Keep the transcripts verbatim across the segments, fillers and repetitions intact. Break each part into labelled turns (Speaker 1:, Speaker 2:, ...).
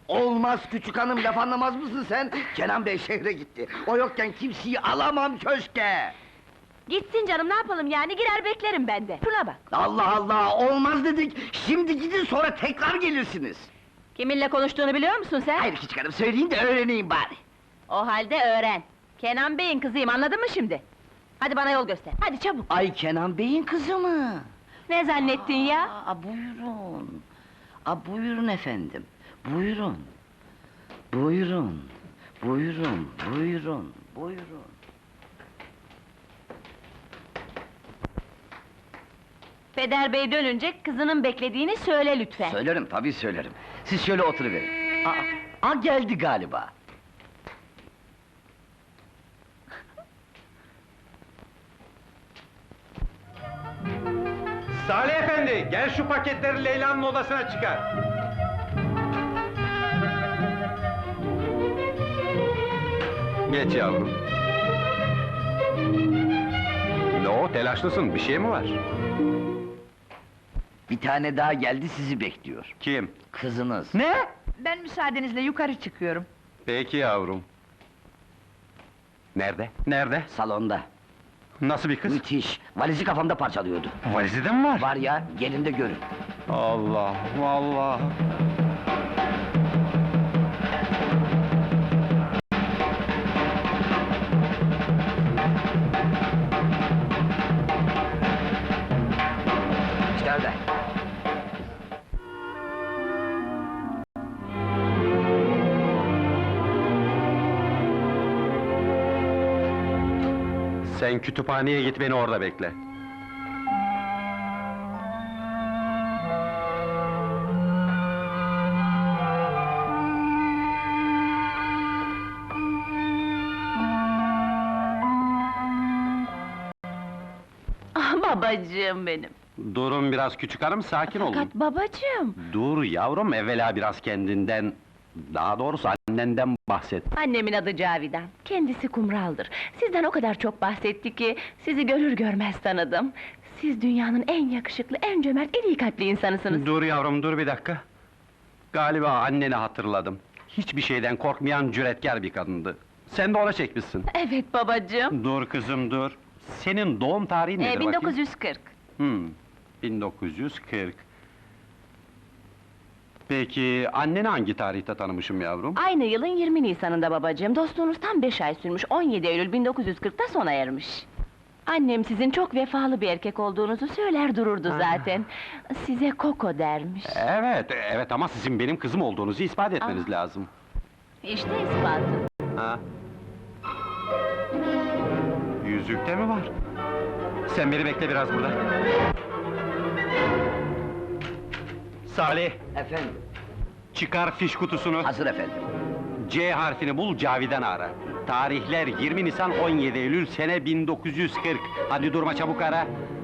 Speaker 1: Olmaz küçük hanım, laf anlamaz mısın sen? Kenan Bey şehre gitti. O yokken kimseyi alamam köşke!
Speaker 2: Gitsin canım, ne yapalım yani, girer beklerim ben de. Şuna bak!
Speaker 1: Allah Allah, olmaz dedik! Şimdi gidin, sonra tekrar gelirsiniz!
Speaker 2: Kiminle konuştuğunu biliyor musun sen?
Speaker 1: Hayır küçük hanım, söyleyin de öğreneyim bari!
Speaker 2: O halde öğren! Kenan Bey'in kızıyım, anladın mı şimdi? Hadi bana yol göster, hadi çabuk!
Speaker 1: Ay Kenan Bey'in kızı mı?
Speaker 2: Ne zannettin ya?
Speaker 1: Aa, buyurun! Aa, buyurun efendim, buyurun! Buyurun, buyurun, buyurun, buyurun!
Speaker 2: Peder Bey dönünce kızının beklediğini söyle lütfen.
Speaker 1: Söylerim, tabii söylerim. Siz şöyle oturuverin. Aa, aa geldi galiba.
Speaker 3: Salih efendi, gel şu paketleri Leyla'nın odasına çıkar. Geç yavrum. Ne o, telaşlısın, bir şey mi var?
Speaker 1: Bir tane daha geldi, sizi bekliyor.
Speaker 3: Kim?
Speaker 1: Kızınız.
Speaker 3: Ne?
Speaker 4: Ben müsaadenizle yukarı çıkıyorum.
Speaker 3: Peki yavrum. Nerede? Nerede?
Speaker 1: Salonda.
Speaker 3: Nasıl bir kız?
Speaker 1: Müthiş. Valizi kafamda parçalıyordu.
Speaker 3: Valizi de mi var?
Speaker 1: Var ya, gelin de görün.
Speaker 3: Allah, vallahi.
Speaker 1: İşte öyle.
Speaker 3: Sen kütüphaneye git, beni orada bekle.
Speaker 2: Ah babacığım benim!
Speaker 3: Durun biraz küçük hanım, sakin olun.
Speaker 2: Fakat babacığım!
Speaker 3: Dur yavrum, evvela biraz kendinden... Daha doğrusu annenden bahset.
Speaker 2: Annemin adı Cavidan, kendisi kumraldır. Sizden o kadar çok bahsetti ki, sizi görür görmez tanıdım. Siz dünyanın en yakışıklı, en cömert, en iyi kalpli insanısınız.
Speaker 3: Dur yavrum, dur bir dakika. Galiba anneni hatırladım. Hiçbir şeyden korkmayan cüretkar bir kadındı. Sen de ona çekmişsin.
Speaker 2: Evet babacığım!
Speaker 3: Dur kızım, dur. Senin doğum tarihin nedir
Speaker 2: Ee, bin
Speaker 3: bakayım?
Speaker 2: dokuz yüz kırk.
Speaker 3: Hmm, bin dokuz yüz kırk. Peki, anneni hangi tarihte tanımışım yavrum?
Speaker 2: Aynı yılın yirmi Nisan'ında babacığım, dostluğunuz tam beş ay sürmüş, on yedi Eylül bin dokuz yüz kırk'ta sona ermiş. Annem sizin çok vefalı bir erkek olduğunuzu söyler dururdu zaten. Size Koko dermiş.
Speaker 3: Evet, evet ama sizin benim kızım olduğunuzu ispat etmeniz lazım.
Speaker 2: İşte ispatı.
Speaker 3: Ha? Yüzükte mi var? Sen beni bekle biraz burada. Salih,
Speaker 1: Efendim,
Speaker 3: çıkar fiş kutusunu.
Speaker 1: hazır efendim.
Speaker 3: C harfini bul, Cavidan'ı ara. Tarihler yirmi Nisan, on yedi Eylül, sene bin dokuz yüz kırk. Hadi durma, çabuk ara.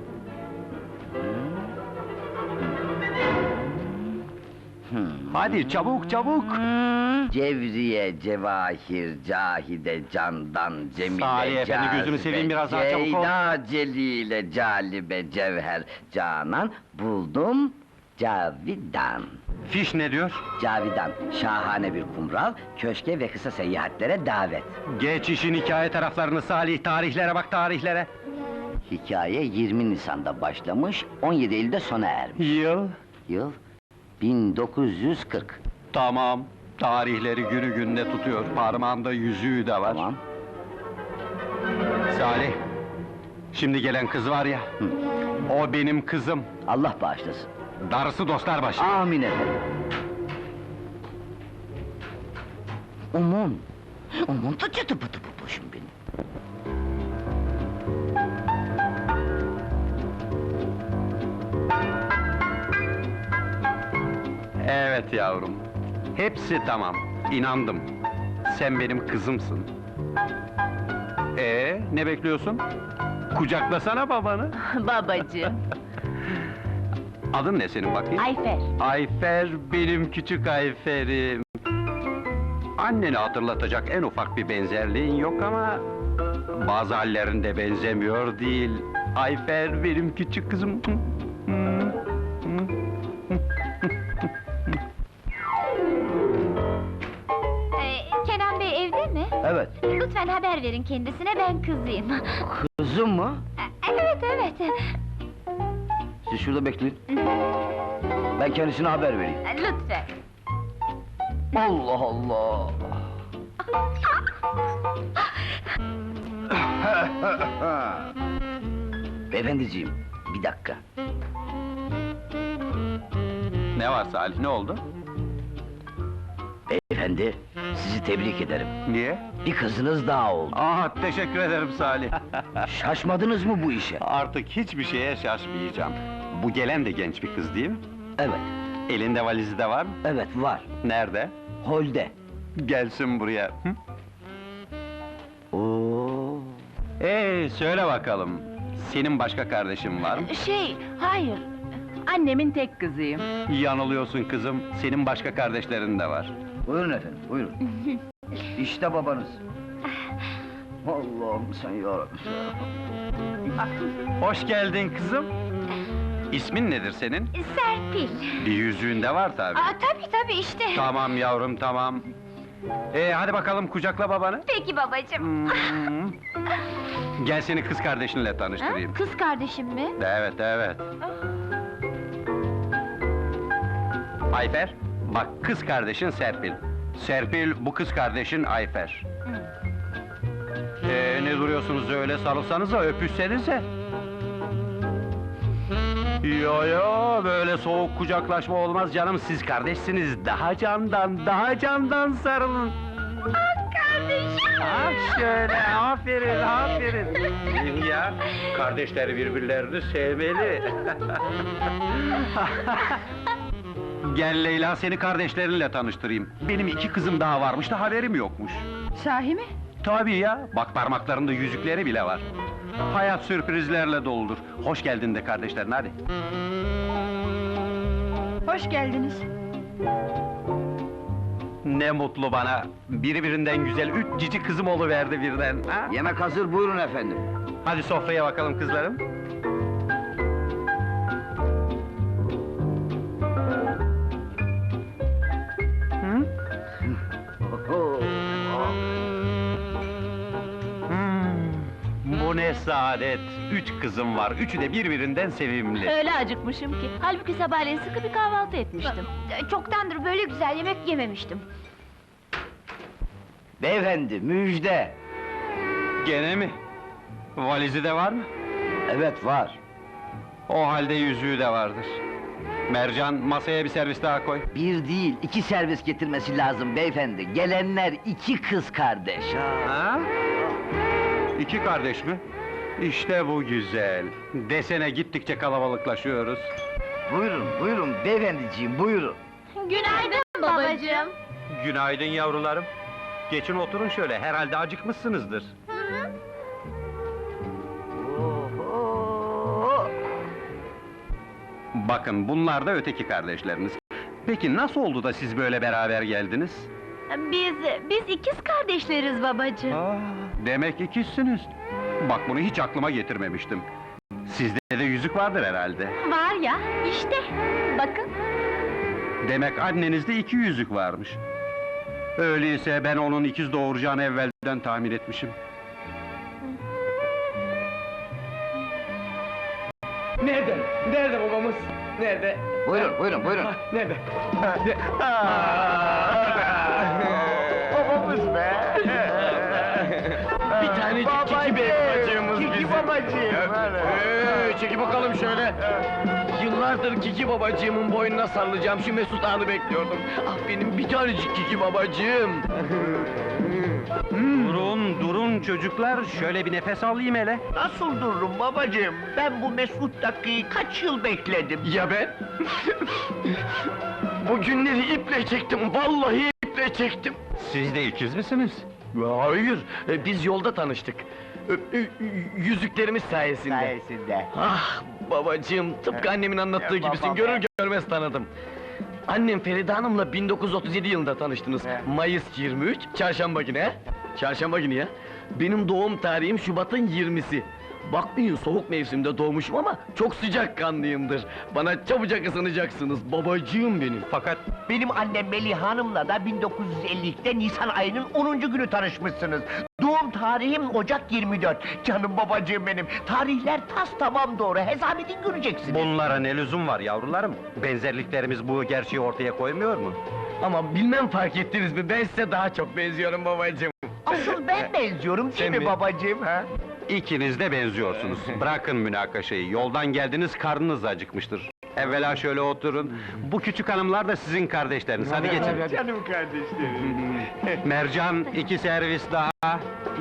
Speaker 3: Hadi çabuk çabuk!
Speaker 1: Cevriye, Cevahir, Cahide, Candan, Cemile,
Speaker 3: Salih efendi, gözünü
Speaker 1: Cazibe,
Speaker 3: seveyim, biraz daha çabuk ol.
Speaker 1: Ceyda, Celile, Calibe, Cevher, Canan, buldum, Cavidan.
Speaker 3: Fiş ne diyor?
Speaker 1: Cavidan, şahane bir kumral, köşke ve kısa seyahatlere davet.
Speaker 3: Geç işin hikaye taraflarını Salih, tarihlere bak, tarihlere!
Speaker 1: Hikaye yirmi Nisan'da başlamış, on yedi Eylül'de sona ermiş.
Speaker 3: Yıl?
Speaker 1: Yıl bin dokuz yüz kırk.
Speaker 3: Tamam, tarihleri günü gününe tutuyor, parmağında yüzüğü de var.
Speaker 1: Tamam.
Speaker 3: Salih, şimdi gelen kız var ya,
Speaker 1: Hı.
Speaker 3: o benim kızım.
Speaker 1: Allah bağışlasın.
Speaker 3: Darısı dostlar başı.
Speaker 1: Amin efendim. Aman! Aman da çıtı pıtı bu başım benim.
Speaker 3: Evet yavrum, hepsi tamam, inandım. Sen benim kızımsın. Ee, ne bekliyorsun? Kucaklasana babanı.
Speaker 2: Babacığım!
Speaker 3: Adın ne senin bakayım?
Speaker 2: Ayfer!
Speaker 3: Ayfer, benim küçük Ayfer'im. Anneni hatırlatacak en ufak bir benzerliğin yok ama... ...bazı hallerinde benzemiyor değil. Ayfer, benim küçük kızım.
Speaker 1: Evet.
Speaker 5: Lütfen haber verin kendisine, ben kızıyım.
Speaker 1: Kızım mı?
Speaker 5: Evet, evet.
Speaker 1: Siz şurada bekleyin. Ben kendisine haber vereyim.
Speaker 5: Lütfen.
Speaker 1: Allah Allah! Beyefendiciğim, bir dakika.
Speaker 3: Ne var Salih, ne oldu?
Speaker 1: Beyefendi, sizi tebrik ederim.
Speaker 3: Niye?
Speaker 1: Bir kızınız daha oldu.
Speaker 3: Aa, teşekkür ederim Salih.
Speaker 1: Şaşmadınız mı bu işe?
Speaker 3: Artık hiçbir şeye şaşmayacağım. Bu gelen de genç bir kız değil mi?
Speaker 1: Evet,
Speaker 3: Elinde valizi de var mı?
Speaker 1: evet var.
Speaker 3: Nerede?
Speaker 1: Holde.
Speaker 3: Gelsin buraya. Hı?
Speaker 1: Oo.
Speaker 3: Ee, söyle bakalım. Senin başka kardeşin var mı?
Speaker 2: Şey, hayır. Annemin tek kızıyım.
Speaker 3: Yanılıyorsun kızım. Senin başka kardeşlerin de var.
Speaker 1: Buyurun efendim, buyurun. İşte babanız. Allah'ım sen yarabbim.
Speaker 3: Hoş geldin kızım. İsmin nedir senin?
Speaker 5: Serpil.
Speaker 3: Bir yüzüğün de var tabii.
Speaker 5: Aa, tabii tabii işte.
Speaker 3: Tamam yavrum, tamam. Ee, hadi bakalım kucakla babanı.
Speaker 5: Peki babacığım.
Speaker 3: Hmm. Gel seni kız kardeşinle
Speaker 5: Ha?
Speaker 3: tanıştırayım.
Speaker 5: Kız kardeşim mi?
Speaker 3: Evet, evet. Ayfer, bak kız kardeşin Serpil. Serpil, bu kız kardeşin Ayfer. Ee, ne duruyorsunuz öyle, sarılsanıza, öpüşsenize. Yo yo, böyle soğuk kucaklaşma olmaz canım, siz kardeşsiniz. Daha candan, daha candan sarılın.
Speaker 5: Kardeşim.
Speaker 3: Ha şöyle, aferin, aferin. Ya, kardeşler birbirlerini sevmeli. Gel Leyla, seni kardeşlerinle tanıştırayım. Benim iki kızım daha varmış da haberim yokmuş.
Speaker 4: Sahi mi?
Speaker 3: Tabii ya, bak parmaklarında yüzükleri bile var. Hayat sürprizlerle doludur. Hoş geldin de kardeşlerin, hadi.
Speaker 4: Hoş geldiniz.
Speaker 3: Ne mutlu bana, birbirinden güzel üç cici kızım oluverdi birden. Ha?
Speaker 1: Yemek hazır, buyurun efendim.
Speaker 3: Hadi sofraya bakalım kızlarım. Hı? Hmm, bu ne saadet! Üç kızım var, üçü de birbirinden sevimli.
Speaker 2: Öyle acıkmışım ki. Halbuki sabahleyin sıkı bir kahvaltı etmiştim.
Speaker 5: Çoktandır böyle güzel yemek yememiştim.
Speaker 1: Beyefendi, müjde!
Speaker 3: Gene mi? Valizi de var mı?
Speaker 1: Evet, var.
Speaker 3: O halde yüzüğü de vardır. Mercan, masaya bir servis daha koy.
Speaker 1: Bir değil, iki servis getirmesi lazım beyefendi. Gelenler iki kız kardeş.
Speaker 3: Ha? İki kardeş mi? İşte bu güzel. Desene gittikçe kalabalıklaşıyoruz.
Speaker 1: Buyurun, buyurun beyefendiciğim, buyurun.
Speaker 5: Günaydın babacığım.
Speaker 3: Günaydın yavrularım. Geçin oturun şöyle, herhalde acıkmışsınızdır.
Speaker 1: Oho!
Speaker 3: Bakın, bunlar da öteki kardeşleriniz. Peki nasıl oldu da siz böyle beraber geldiniz?
Speaker 5: Biz, biz ikiz kardeşleriz babacığım.
Speaker 3: Aa, demek ikizsiniz. Bak bunu hiç aklıma getirmemiştim. Sizde de yüzük vardır herhalde.
Speaker 5: Var ya, işte. Bakın.
Speaker 3: Demek annenizde iki yüzük varmış. Öyleyse ben onun ikiz doğuracağını evvelden tahmin etmişim.
Speaker 6: Nerede? Nerede babamız? Nerede?
Speaker 1: Buyurun, buyurun, buyurun.
Speaker 6: Nerede? Babamız be! Bir tanecik Kiki Bey babacığımız bizim. Kiki babacığım! Ee, çeki bakalım şöyle. Yıllardır Kiki babacığımın boynuna sarılacağım, şu Mesut anı bekliyordum. Ah benim bir tanecik Kiki babacığım!
Speaker 3: Durun, durun çocuklar, şöyle bir nefes alayım hele.
Speaker 6: Nasıl dururum babacığım? Ben bu Mesut dakikayı kaç yıl bekledim? Ya ben? Bu günleri iple çektim, vallahi iple çektim.
Speaker 3: Siz de ikiz misiniz?
Speaker 6: Hayır, e, biz yolda tanıştık. Ö- ö- Yüzüklerimiz sayesinde.
Speaker 1: Sayesinde.
Speaker 6: Ah babacığım, tıpkı annemin anlattığı
Speaker 1: He,
Speaker 6: gibisin,
Speaker 1: baba
Speaker 6: görür
Speaker 1: be.
Speaker 6: görmez tanıdım. Annem Feride Hanım'la bin dokuz yüz otuz yedi yılında tanıştınız.
Speaker 1: He.
Speaker 6: Mayıs yirmi üç, çarşamba günü he? Çarşamba günü ya. Benim doğum tarihim Şubat'ın yirmisi. Bakmayın soğuk mevsimde doğmuşum ama çok sıcakkanlıyımdır. Bana çabucak ısınacaksınız, babacığım benim.
Speaker 3: Fakat
Speaker 7: Benim annem Melih Hanım'la da bin dokuz yüz elli ikide Nisan ayının onuncu günü tanışmışsınız. Doğum tarihim Ocak yirmi dört. Canım babacığım benim. Tarihler tas tamam doğru. Hesap edin göreceksiniz.
Speaker 3: bunlara ne lüzum var yavrularım? Benzerliklerimiz bu gerçeği ortaya koymuyor mu?
Speaker 6: Ama bilmem fark ettiniz mi, ben size daha çok benziyorum babacığım.
Speaker 7: Asıl ben benziyorum değil
Speaker 6: Sen
Speaker 7: mi
Speaker 6: mi?
Speaker 7: babacığım ha?
Speaker 3: İkiniz de benziyorsunuz. Bırakın münakaşayı, yoldan geldiniz, karnınız acıkmıştır. Evvela şöyle oturun. Bu küçük hanımlar da sizin kardeşleriniz, hadi geçin.
Speaker 7: Canım kardeşlerim.
Speaker 3: Mercan, iki servis daha.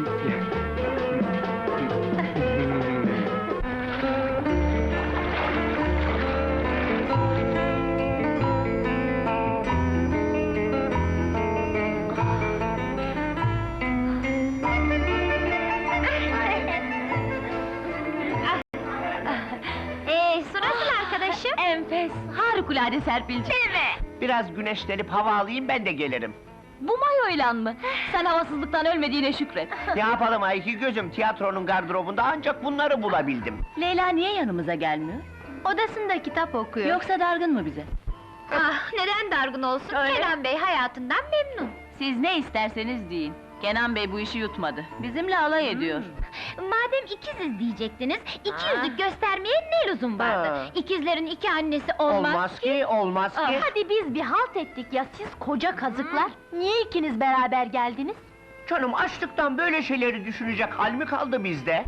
Speaker 5: Ee, su nasıl arkadaşım?
Speaker 2: Enfes, harikulade Serpilciğim.
Speaker 5: Değil mi?
Speaker 7: Biraz güneşlenip hava alayım ben de gelirim.
Speaker 2: Bu mayoyla mı? Sen havasızlıktan ölmediğine şükret.
Speaker 7: Ne yapalım ay iki gözüm, tiyatronun gardırobunda ancak bunları bulabildim.
Speaker 2: Leyla niye yanımıza gelmiyor?
Speaker 5: Odasında kitap okuyor.
Speaker 2: Yoksa dargın mı bize?
Speaker 5: Ah, neden dargın olsun? Kenan Bey hayatından memnun.
Speaker 2: Siz ne isterseniz deyin. Kenan Bey bu işi yutmadı. Bizimle alay ediyor.
Speaker 5: Madem ikiziz diyecektiniz, iki
Speaker 7: Ha.
Speaker 5: yüzlük göstermeye ne lüzum vardı?
Speaker 7: Ha.
Speaker 5: İkizlerin iki annesi olmaz,
Speaker 7: Olmaz ki, olmaz
Speaker 5: Ah,
Speaker 7: ki.
Speaker 5: hadi biz bir halt ettik ya, siz koca kazıklar! Niye ikiniz beraber geldiniz?
Speaker 7: Canım açlıktan böyle şeyleri düşünecek hal mi kaldı bizde?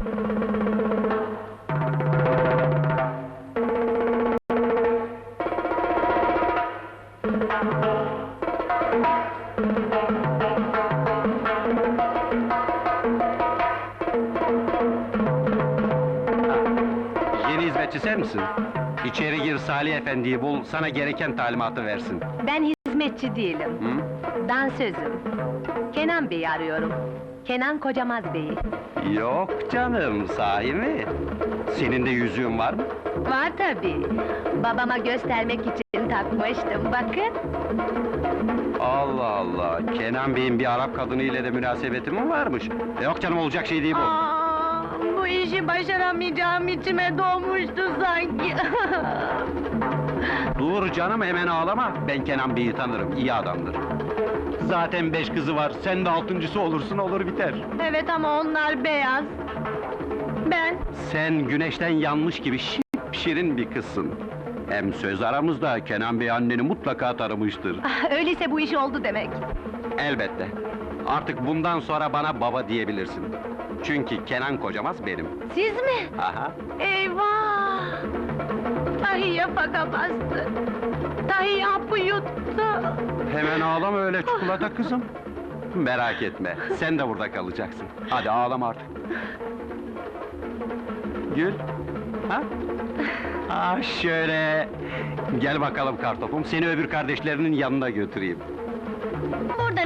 Speaker 3: Yeni hizmetçi sen misin? İçeri gir, Salih Efendi'yi bul, sana gereken talimatı versin.
Speaker 2: Ben hizmetçi değilim.
Speaker 3: Hı?
Speaker 2: Dansözüm. Kenan Bey'i arıyorum. Kenan Kocamaz Bey'i.
Speaker 3: Yok canım, sahi mi? Senin de yüzüğün var mı?
Speaker 2: Var tabii. Babama göstermek için takmıştım, bakın.
Speaker 3: Allah Allah, Kenan Bey'in bir Arap kadını ile de münasebeti mi varmış? Yok canım, olacak şey değil bu.
Speaker 2: Aa, bu işi başaramayacağım içime doğmuştu sanki.
Speaker 3: Dur canım, hemen ağlama. Ben Kenan Bey'i tanırım, iyi adamdır. Zaten beş kızı var, sen de altıncısı olursun, olur biter.
Speaker 2: Evet ama onlar beyaz. Ben...
Speaker 3: Sen güneşten yanmış gibi şirin bir kızsın. Hem söz aramızda, Kenan Bey anneni mutlaka tanımıştır.
Speaker 2: Ah, öyleyse bu iş oldu demek.
Speaker 3: Elbette. Artık bundan sonra bana baba diyebilirsin. Çünkü Kenan Kocamaz benim.
Speaker 2: Siz mi?
Speaker 3: Aha.
Speaker 2: Eyvah! Tahiye faka bastı. Tahiye hapı yuttu.
Speaker 3: Hemen ağlama öyle çikolata kızım. Merak etme, sen de burada kalacaksın. Hadi ağlama artık. Gül. Ha? Ah şöyle. Gel bakalım kartopum, seni öbür kardeşlerinin yanına götüreyim.
Speaker 5: Bu